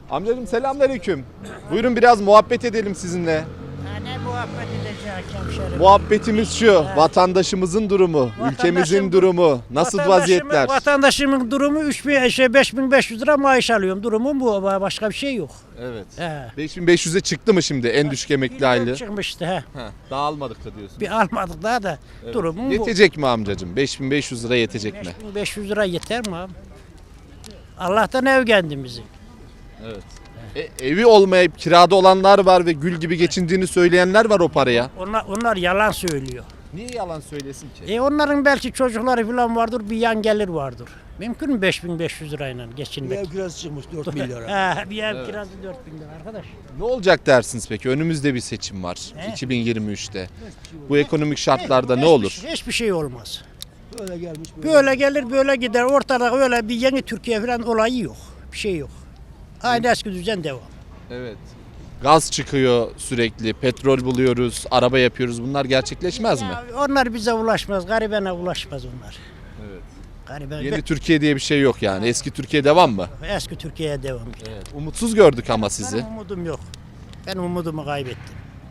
Amcacığım selamünaleyküm. Buyurun biraz muhabbet edelim sizinle. Ne muhabbet edecek hemşerim? Muhabbetimiz şu. Vatandaşımızın durumu, ülkemizin durumu, nasıl vaziyetler? Vatandaşımın durumu 5500 lira maaş alıyorum. Durumum bu. Başka bir şey yok. Evet. He. 5500'e çıktı mı şimdi en düşük emekli aylığı? Çıkmıştı he. Daha almadık da diyorsun. Bir almadık daha da durumum bu. Yetecek mi amcacığım? 5500 lira yetecek mi? 5500 lira yeter mi abi? Allah'tan ev kendimizi. Evet. Evi olmayıp kirada olanlar var ve gül gibi geçindiğini söyleyenler var o paraya. Onlar yalan söylüyor. Niye yalan söylesin ki? Onların belki çocukları falan vardır, bir yan gelir vardır. Mümkün mü 5500 lirayla Bir geçinmek? ev kirası çıkmış 4 milyara. Bir ev kirası 4000 lira arkadaş. Ne olacak dersiniz peki? Önümüzde bir seçim var. 2023'te. Bu ekonomik şartlarda ne olur? Hiçbir şey olmaz. Böyle gelmiş. Böyle gelir böyle gider. Ortada öyle bir yeni Türkiye falan olayı yok. Bir şey yok. Aynı eski düzen devam. Evet. Gaz çıkıyor sürekli, petrol buluyoruz, araba yapıyoruz. Bunlar gerçekleşmez mi? Ya onlar bize ulaşmaz. Garibene ulaşmaz onlar. Evet. Gariben, Yeni Türkiye diye bir şey yok yani. Eski Türkiye devam mı? eski Türkiye'ye devam. Evet. Umutsuz gördük ama sizi. Benim umudum yok. Ben umudumu kaybettim.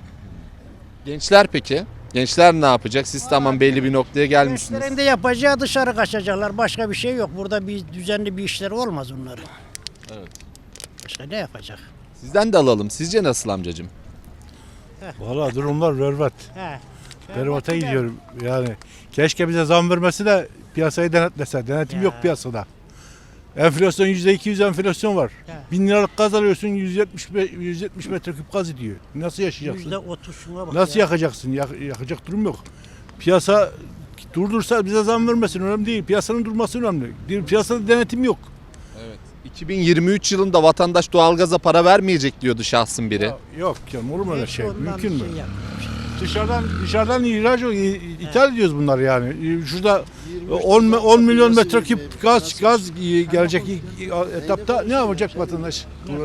Gençler peki? Gençler ne yapacak? Siz tamam belli bir noktaya gelmişsiniz. Gençlerin de yapacağı dışarı kaçacaklar. Başka bir şey yok. Burada bir düzenli bir işler olmaz onların. Evet. Başka ne yapacak? Sizden de alalım. Sizce nasıl amcacığım? Valla durumlar berbat. He. Berbat'a gidiyorum yani. Keşke bize zam vermesi de piyasayı denetlese. Denetim Ya. yok piyasada. Enflasyon %200 enflasyon var. Ya. 1000 liralık gaz alıyorsun 170 metreküp gaz ediyor. Nasıl yaşayacaksın? %30 şuna bak Nasıl ya. yakacaksın? Yakacak durum yok. Piyasa durdursa bize zam vermesin önemli değil. Piyasanın durması önemli. Piyasada denetim yok. Evet. 2023 yılında vatandaş doğalgaza para vermeyecek diyordu şahsın biri. Yok canım olur mu öyle Hiç şey? ondan Mümkün bir mü? şey yapmamış. Dışarıdan ihraç ithal ediyoruz bunları yani. Şurada 10 milyon metreküp gaz gelecek etapta ne yapacak vatandaş?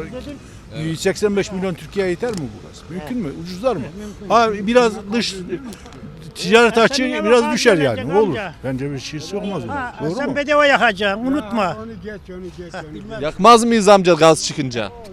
85 milyon Türkiye'ye yeter mi bu gaz? Mümkün mü? Ucuzlar mı? Ha biraz dış ticaret açığı biraz düşer yani. Ne olur? Bence bir şey olmaz. Ha, Doğru sen mu? bedava yakacaksın. Unutma. Onu geç. Yakmaz mıyız amca gaz çıkınca? Yok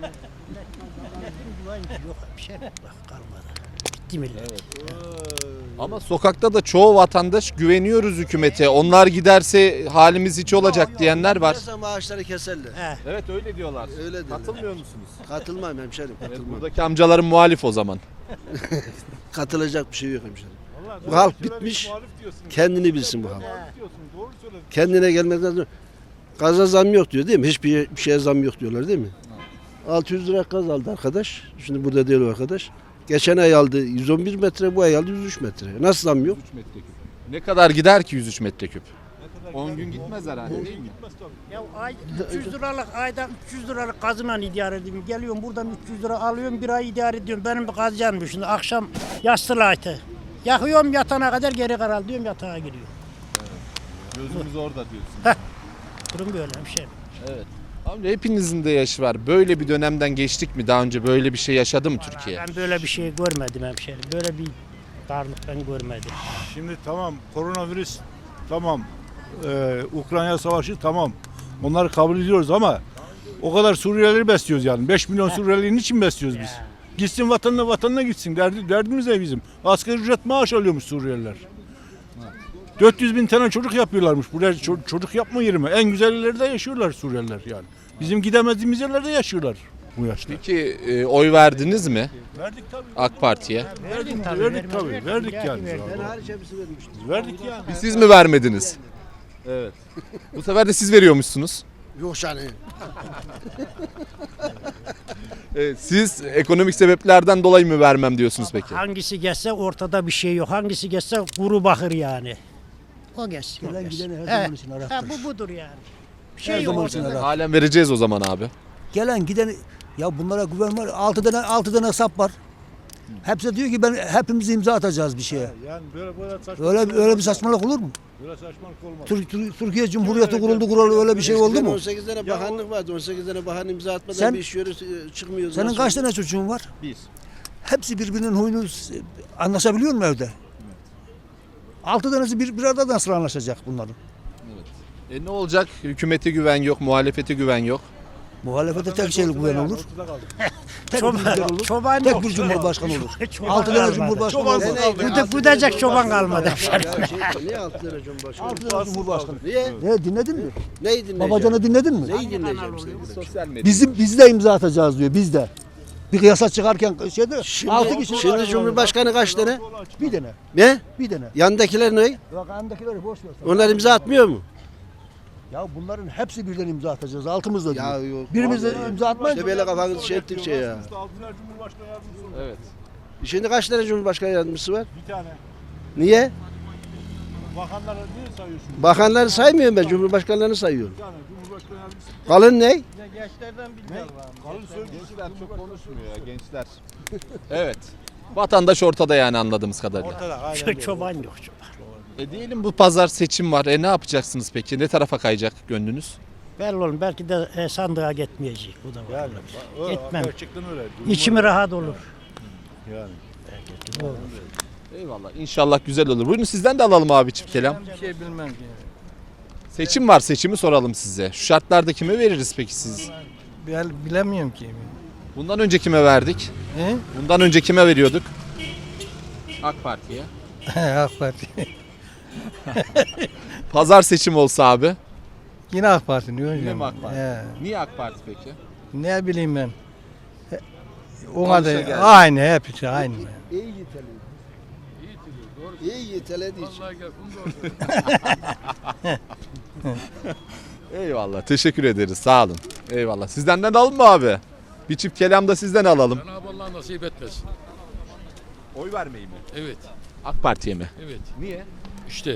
bir şey yok. Bak kalmadı. Bitti millet. Ama sokakta da çoğu vatandaş güveniyoruz hükümete. Onlar giderse halimiz hiç olacak diyenler var. Piyasa maaşları keserler. He. Evet öyle diyorlar. Öyle diyorlar. Katılmıyor musunuz? Katılmam hemşerim, katılmam. Buradaki amcaların muhalif o zaman. Katılacak bir şey yok hemşerim. Bu halk bitmiş, kendini bilsin bu halk. Kendine gelmekten sonra gaza zam yok diyor değil mi? Hiçbir şeye zam yok diyorlar değil mi? 600 lira gaz aldı arkadaş. Şimdi burada değil o arkadaş. Geçen ay aldı 111 metre, bu ay aldı 103 metre. Nasıl zam yok? Ne kadar gider ki 103 metreküp? 10 gün gitmez herhalde değil mi? Ya ay 300 liralık ayda 300 liralık gazla idare ediyorum. Geliyorum buradan 300 lira alıyorum bir ay idare ediyorum. Benim bir gaz yanmış şimdi akşam yastığı light'ı. Yakıyorum yatana kadar geri karar diyorum yatağa giriyor. Gözümüz orada diyorsun. Durum böyle bir şey. Evet. Amca hepinizin de yaşı var. Böyle bir dönemden geçtik mi? Daha önce böyle bir şey yaşadı mı Türkiye? Ben böyle bir şey görmedim hemşerim. Böyle bir darlık ben görmedim. Şimdi tamam koronavirüs tamam Ukrayna savaşı tamam onları kabul ediyoruz ama o kadar Suriyelileri besliyoruz yani 5 milyon Suriyeli'yi niçin besliyoruz biz? Gitsin vatanına gitsin derdimiz ne bizim? Asgari ücret maaş alıyormuş Suriyeliler. 400 bin tane çocuk yapıyorlarmış. Buraya çocuk yapma yeri mi? En güzel yerlerde yaşıyorlar Suriyeliler yani. Bizim gidemediğimiz yerlerde yaşıyorlar bu yaşta. Peki oy verdiniz mi Verdik tabii. AK Parti'ye? Verdik tabii, tabii. Verdik yani. Ben hariç hepsi vermiştim. Verdik yani. Siz mi vermediniz? Evet. Bu sefer de siz veriyormuşsunuz. Yok yani. Evet, siz ekonomik sebeplerden dolayı mı vermem diyorsunuz peki? Hangisi geçse ortada bir şey yok. Hangisi geçse kuru bakır yani. O geçsin. o Gelen geçsin. gideni her He, zaman için araktır. bu budur yani. Bir Her şey yok zaman için ortada. arar. Halen vereceğiz o zaman abi. Gelen giden ya bunlara güven var. 6 tane hesap var. Hepsi diyor ki hepimiz imza atacağız bir şeye. Yani böyle saçmalık Öyle bir saçmalık olur mu? Böyle saçmalık olmaz. Türkiye Cumhuriyeti kuruldu öyle bir şey oldu mu? 18 tane bakanlık vardı. 18 tane bakan imza atmadan Sen- bir iş yürü çıkmıyor. Senin Nasıl kaç olur? tane çocuğun var? Biz. Hepsi birbirinin huyunu anlaşabiliyor mu evde? 6 tanesi bir arada nasıl anlaşacak bunların? Ne olacak? Hükümete güven yok, muhalefete güven yok. Muhalefete tek şeylik güven olur. Tek Çoban- bir lider olur. çoban tek yok. bir cumhurbaşkanı olur. Çoban 6 tane kalmadı. cumhurbaşkanı olur. Gıdacak çoban kalmadı. Niye 6 lira Cumhurbaşkanı? 6 tane cumhurbaşkanı. Niye? Ne dinledin mi? Neyi dinleyeceğim? Babacan'ı dinledin mi? Neyi dinleyeceğim seni? Sosyal medya. Biz de imza atacağız diyor biz de. Bir yasa çıkarken şeyde 6 kişi. Şimdi Cumhurbaşkanı kaç tane? Bir tane. Ne? Bir tane. Yandakiler ne? Yok andakileri boş ver. sen. Onlar imza atmıyor mu? Ya bunların hepsi birden imza atacağız. Altımızda Ya diyor. yok. Birimiz de imza atmayınca. İşte böyle kafanızı şey ettikçe ya. Evet. Şimdi kaç tane Cumhurbaşkanı yardımcısı var? Bir tane. Niye? Bakanlara niye sayıyorsun? Bakanları saymıyorum ben, Cumhurbaşkanlarını sayıyorum. Bir tane Cumhurbaşkanı yardımcısı. Kalın ne? Kalın söylüyorsun. Gençler çok konuşmuyor ya gençler. Evet. Vatandaş ortada yani anladığımız kadarıyla. Ortada aynen. Çoban yok çoban. Diyelim bu pazar seçim var. Ne yapacaksınız peki? Ne tarafa kayacak gönlünüz? Belli olun belki de sandığa gitmeyecek. Bu da var. Yani, Etmem. Gerçekten öyle. İçimi rahat olur. Yani. Eyvallah. İnşallah güzel olur. Buyurun sizden de alalım abi çift kelam. Bir şey bilmem ki. Seçim var. Seçimi soralım size. Şu şartlarda kime veririz peki siz? Bilemiyorum ki. Bundan önce kime verdik? He? Bundan önce kime veriyorduk? AK Parti'ye. AK Parti. Pazar seçim olsa abi. Yine AK Parti diyor hocam. Yine mi AK Parti? He. Niye AK Parti peki? Ne bileyim ben. Alışa Ona da geldi. aynı hepsi aynı. İyi yiteledi. İyi yitelediği için. Eyvallah. Teşekkür ederiz. Sağ olun. Eyvallah. Sizden de alalım mı abi? Bir çift kelam da sizden alalım. Cenab-ı Allah nasip etmesin. Oy vermeyi mi? Evet, AK Parti'ye mi? evet. Niye? İşte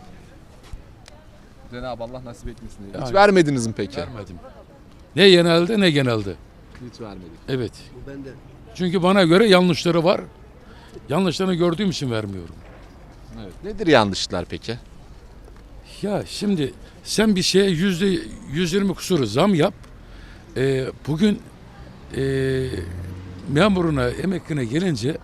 Cenab-ı Allah nasip etmesin diye. Hiç Yani. vermediniz mi peki? vermedim. Ne genelde ne genelde. Hiç vermedik. Evet. Ben de. Çünkü bana göre yanlışları var. Yanlışlarını gördüğüm için vermiyorum. Evet. Nedir yanlışlar peki? Ya şimdi sen bir şeye %120 kusuru zam yap. Bugün memuruna, emekline gelince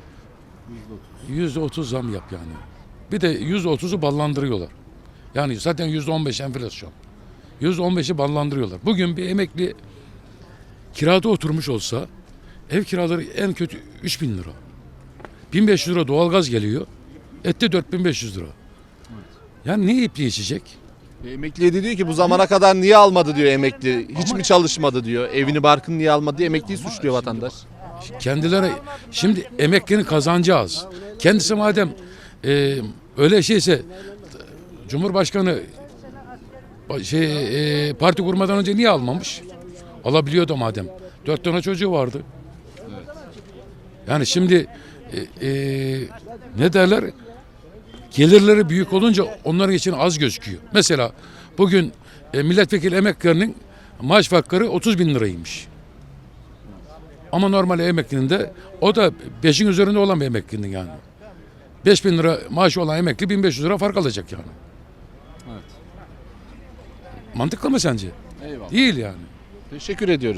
%30 zam yap yani. Bir de %30'u ballandırıyorlar. Yani zaten %15 enflasyon. %15'i ballandırıyorlar. Bugün bir emekli kirada oturmuş olsa ev kiraları en kötü 3.000 lira. 1.500 lira doğalgaz geliyor. Ette 4.500 lira. Yani ne yiyip ne içecek? Emekliye de diyor ki bu zamana kadar niye almadı diyor emekli. Hiç mi çalışmadı diyor. Evini barkını niye almadı diye emekliyi suçluyor vatandaş. Kendileri şimdi emeklinin kazancı az. Kendisi madem öyle şeyse Cumhurbaşkanı parti kurmadan önce niye almamış? Alabiliyordu madem. 4 tane çocuğu vardı. Yani şimdi ne derler? Gelirleri büyük olunca onların için az gözüküyor. Mesela bugün milletvekili emeklilerinin maaş farkları 30.000 liraymış. Ama normal emeklinin de o da 5'in üzerinde olan bir emeklinin yani. 5.000 lira maaşı olan emekli 1.500 lira fark alacak yani. Evet. Mantıklı mı sence? Eyvallah. Değil yani. Teşekkür ediyoruz.